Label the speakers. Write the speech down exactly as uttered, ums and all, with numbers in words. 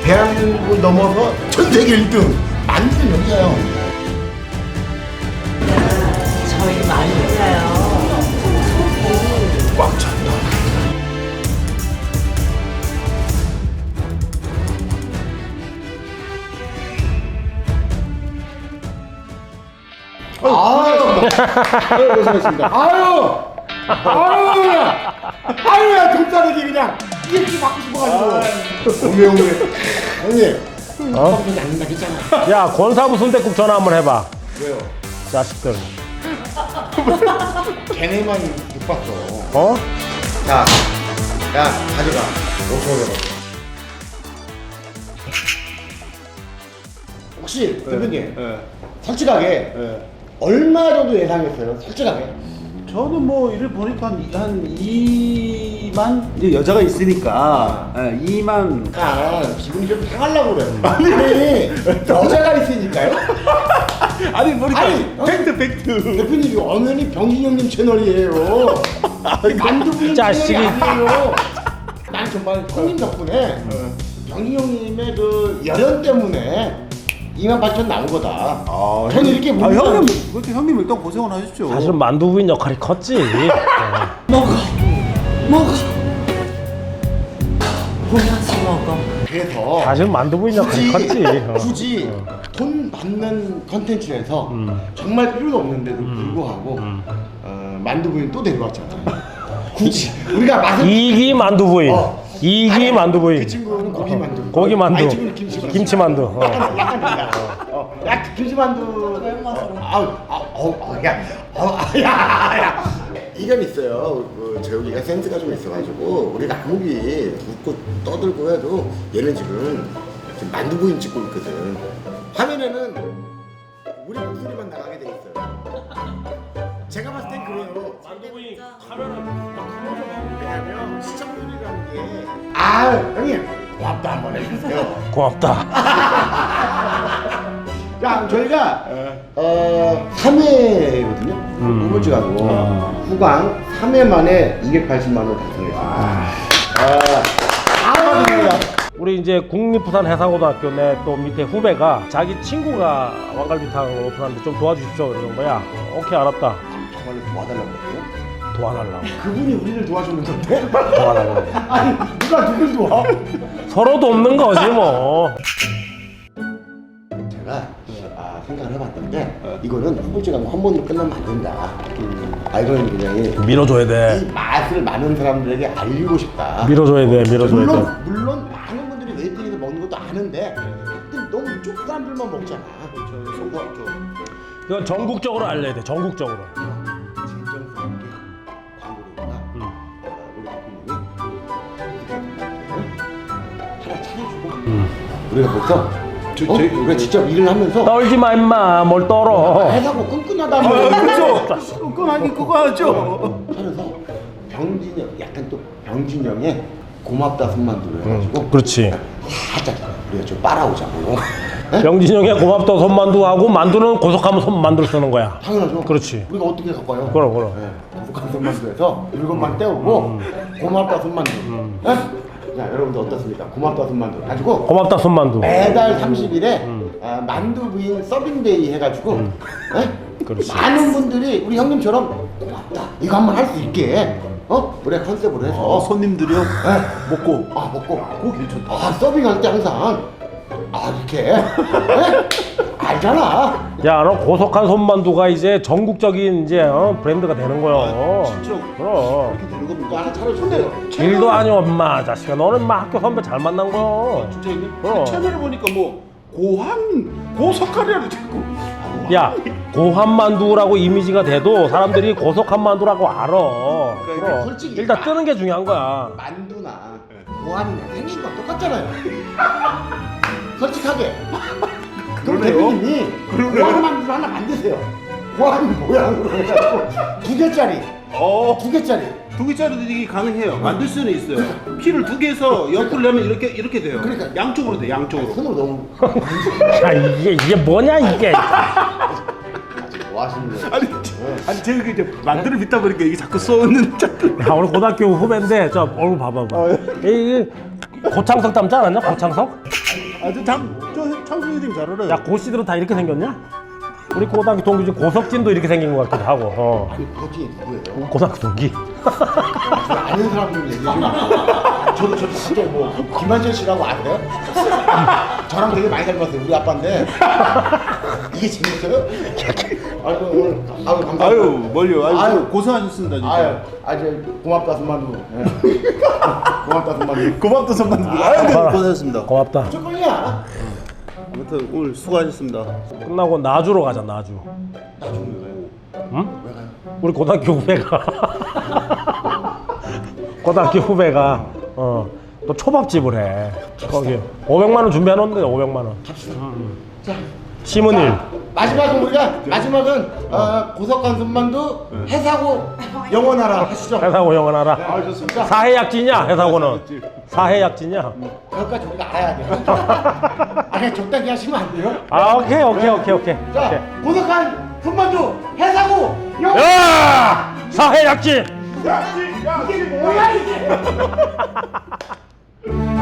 Speaker 1: 대한민국을 넘어서 전 세계 일 등 만드는 여기가요.
Speaker 2: 저희 많이 해요.
Speaker 1: 꽉 찼다. 아유, 아유, 고생했습니다. 아유, 아유, 아유야, 돈자르기 그냥 이렇게 받고 싶어가지고. 오메 오메. 형님,
Speaker 3: 어?
Speaker 1: 방송이 안 된다 했잖아.
Speaker 3: 야, 권사부 순댓국 전화 한번 해봐.
Speaker 1: 왜요?
Speaker 3: 자식들.
Speaker 1: 걔네만 못 봤어.
Speaker 3: 어?
Speaker 1: 자, 야, 가져가. 오천 원. 혹시 대표님,
Speaker 4: 예.
Speaker 1: 솔직하게
Speaker 4: 예.
Speaker 1: 얼마 정도 예상했어요? 솔직하게.
Speaker 4: 저는 뭐 이를 보니까 한, 한 이만 이제 여자가 있으니까 예, 이만
Speaker 1: 아, 기분이 좀 상하려고 그래. 아니, 여자가 있으니까요?
Speaker 4: 아니 보니까
Speaker 1: 아니,
Speaker 4: 팩트 팩트
Speaker 1: 대표님, 엄연히 병신 형님 채널이에요. 만두부인
Speaker 3: 자식이.
Speaker 1: 채널이 아니에요. 난 정말 형님 덕분에 병신 형님의 그 열연 때문에 이만 팔천 나온 거다.
Speaker 4: 아,
Speaker 1: 저는 이렇게
Speaker 4: 아,
Speaker 1: 묻는
Speaker 4: 형님
Speaker 1: 사람이-
Speaker 4: 그렇게 형님 일단 고생을 하셨죠.
Speaker 3: 사실은 만두부인 역할이 컸지.
Speaker 2: 먹어. 먹어. 보면서 먹어.
Speaker 1: 그래서
Speaker 3: 사실 만두부인 역할이 컸지. 어.
Speaker 1: 굳이 돈 받는 컨텐츠에서
Speaker 3: 음.
Speaker 1: 정말 필요도 없는데도 불구하고 어, 만두부인 또 데려왔잖아요. 굳이 우리가 맛을
Speaker 3: 이기 만두부인.
Speaker 1: 어.
Speaker 3: 이기
Speaker 1: 아니,
Speaker 3: 만두부인.
Speaker 1: 그 친구는 고기 만두.
Speaker 3: 고기 만두.
Speaker 1: 아니, 친구는 김치 만두.
Speaker 3: 김치 만두. 어.
Speaker 1: 약간 약간 달라. 어, 약 김치 만두. 아우 아우 아우 야, 어, 아, 야, 야. 이건 있어요. 그 재욱이가 센스가 좀 있어가지고 우리가 아무리 웃고 떠들고 해도 얘는 지금 지금 만두부인 찍고 있거든. 화면에는 우리 목소리만 나가게 돼 있어요. 제가 봤을 땐 그래요.
Speaker 3: 만두부인 카메라.
Speaker 1: 왜냐면 시청률이라는 게. 아 형님 고맙다 한번 해주세요.
Speaker 3: 고맙다.
Speaker 1: 자 저희가 어 삼 회거든요.
Speaker 3: 음.
Speaker 1: 후보지 가고
Speaker 3: 아.
Speaker 1: 후광 삼 회 만에 이백팔십만 원 달성했습니다. 아, 아, 축하드립니다.
Speaker 3: 우리 이제 국립부산해상고등학교 내 또 밑에 후배가 자기 친구가 왕갈비탕을 오픈하는데 좀 도와주십시오 이러는 거야. 오케이 알았다.
Speaker 1: 정말로 도와달라고 그랬어요?
Speaker 3: 도와달라고.
Speaker 1: 그분이 우리를 도와줬는데?
Speaker 3: 도와달라고.
Speaker 1: 아니 누가 누굴 도와?
Speaker 3: 서로도 없는 거지 뭐.
Speaker 1: 제가 아, 생각을 해봤는데 이거는 후보지 가고 한 번으로 끝나면 안 된다. 아 이거는 그냥
Speaker 3: 밀어줘야
Speaker 1: 이
Speaker 3: 돼.
Speaker 1: 맛을 많은 사람들에게 알리고 싶다.
Speaker 3: 밀어줘야 돼. 밀어줘야
Speaker 1: 물론
Speaker 3: 돼.
Speaker 1: 물론 많은 분들이 웨이팅에서 먹는 것도 아는데 근데 너무 이쪽 사람들만 먹잖아. 그렇죠.
Speaker 3: 이건 전국적으로 알려야 돼. 전국적으로.
Speaker 1: 진정성 있게 광고를
Speaker 3: 음.
Speaker 1: 우리 대표님이 하나 차려주고
Speaker 3: 음.
Speaker 1: 우리가 벌써
Speaker 4: 저-
Speaker 1: 어?
Speaker 4: 저희-
Speaker 1: 우리가 직접 일을 하면서
Speaker 3: 떨지 마 임마. 뭘 떨어.
Speaker 1: 해사고 끈끈하다는
Speaker 4: 아,
Speaker 1: 걸
Speaker 4: 그렇죠. 끈끈하게 그거 하죠.
Speaker 1: 차려서 병진영 약간 또 병진영의 고맙다 손만두를 해가지고
Speaker 3: 그렇지.
Speaker 1: 살짝 우리가 좀 빨아오자고.
Speaker 3: 병진영의 고맙다 손만두하고 만두는 고속하면 손만두를 쓰는 거야.
Speaker 1: 당연하죠.
Speaker 3: 그렇지.
Speaker 1: 우리가 어떻게 갈까요?
Speaker 3: 그럼 그럼.
Speaker 1: 네, 고속한 손만두에서 일곱만 떼우고 고맙다 손만두. 네? 자 여러분들 어떻습니까? 고맙다 손만두 가지고
Speaker 3: 고맙다 손만두.
Speaker 1: 매달 삼십 일에 아, 만두 부인 서빙데이 해가지고 네?
Speaker 3: 그렇지.
Speaker 1: 많은 분들이 우리 형님처럼 고맙다 이거 한번 할 수 있게 어? 우리가 컨셉으로 해서
Speaker 4: 어, 손님들이요. 먹고
Speaker 1: 아 먹고
Speaker 4: 고기 괜찮다.
Speaker 1: 아 서빙할 때 항상 아 이렇게 네? 알잖아.
Speaker 3: 야, 너 고속한 손만두가 이제 전국적인 이제 어? 브랜드가 되는 거야.
Speaker 4: 아, 진짜
Speaker 3: 그럼.
Speaker 4: 이렇게 되는 겁니까?
Speaker 1: 이거 하나 차려준대요.
Speaker 3: 길도 아니오 엄마 자식아. 너는 막 학교 선배 잘 만난 거야.
Speaker 4: 진짜 이게
Speaker 3: 그럼.
Speaker 4: 채널을 보니까 뭐 고한 고석하려고 자꾸.
Speaker 3: 야, 고한 만두라고 이미지가 돼도 사람들이 고속한 만두라고 알아.
Speaker 1: 그러니까
Speaker 3: 그럼.
Speaker 1: 솔직히
Speaker 3: 일단 뜨는 게 중요한 거야.
Speaker 1: 만두나 고안이나 생긴 건 똑같잖아요. 솔직하게. 그럼
Speaker 4: 그러네요.
Speaker 1: 대표님이
Speaker 4: 그러네요.
Speaker 1: 고안 만두 하나 만드세요. 고안 모양으로 해가지고 두 개짜리,
Speaker 4: 어.
Speaker 1: 두 개짜리.
Speaker 4: 두 개짜리도 이게 가능해요. 만들 수는 있어요. 피를 두 개에서 옆을 내면 이렇게 이렇게 돼요.
Speaker 1: 그러니까.
Speaker 4: 양쪽으로 돼. 양쪽으로.
Speaker 1: 손으로 너무
Speaker 3: 야, 이게 이게 뭐냐 이게.
Speaker 1: 뭐 하시는 거예요?
Speaker 4: 아니, 저- 아니 제가 이제 만두를 빚다 보니까 이게 자꾸 쏘는 자꾸.
Speaker 3: 야, 우리 고등학교 후배인데 저 얼굴 봐봐봐. 이 고창석 닮지 않았냐? 고창석?
Speaker 4: 아주 참저 창준이님 잘 알아요.
Speaker 3: 야 고씨들은 다 이렇게 생겼냐? 우리 고등학교 동기 중 고석진도 이렇게 생긴 것 같기도 하고. 어.
Speaker 1: 아니 그것이 누구예요?
Speaker 3: 고등학교 동기.
Speaker 1: 아는 사람들 얘기 좀 저도 저도 갑자기 뭐 김한철 씨라고 아세요? 저랑 되게 많이 닮았어요. 우리 아빠인데 이게 재밌어요? 아이고 오늘 아유 감사합니다.
Speaker 4: 아유 멀려. 아유,
Speaker 1: 아유.
Speaker 4: 고생하셨습니다 진짜.
Speaker 1: 아유 아주 고맙다 손만두. 예. 고맙다 손만두.
Speaker 4: 고맙다 선배님. 아유 네, 고생하셨습니다.
Speaker 3: 고맙다.
Speaker 1: 무조건이야.
Speaker 4: 아무튼 오늘 수고하셨습니다.
Speaker 3: 끝나고 나주로 가자 나주.
Speaker 1: 나중에
Speaker 3: 응? 우리 고등학교 후배가 고등학교 후배가 어, 또 초밥집을 해. 거기 오백만 원 준비해 놓는데 오백만 원.
Speaker 1: 자.
Speaker 3: 심은일.
Speaker 1: 마지막은 우리가 마지막은 어, 고석한 손만두 해사고 영원하라 하시죠.
Speaker 3: 해사고 영원하라.
Speaker 4: 아 좋습니다.
Speaker 3: 사해약지냐 해사고는. 사해약지냐.
Speaker 1: 그것까지 우리가 알아야 돼요. 아 그냥 적당히 하시면 안 돼요?
Speaker 3: 아 오케이 오케이 오케이 오케이. 오케이.
Speaker 1: 자 고석한 손만두 해사고 영원.
Speaker 3: 야 사해약지.
Speaker 1: 이게 뭐야 이게?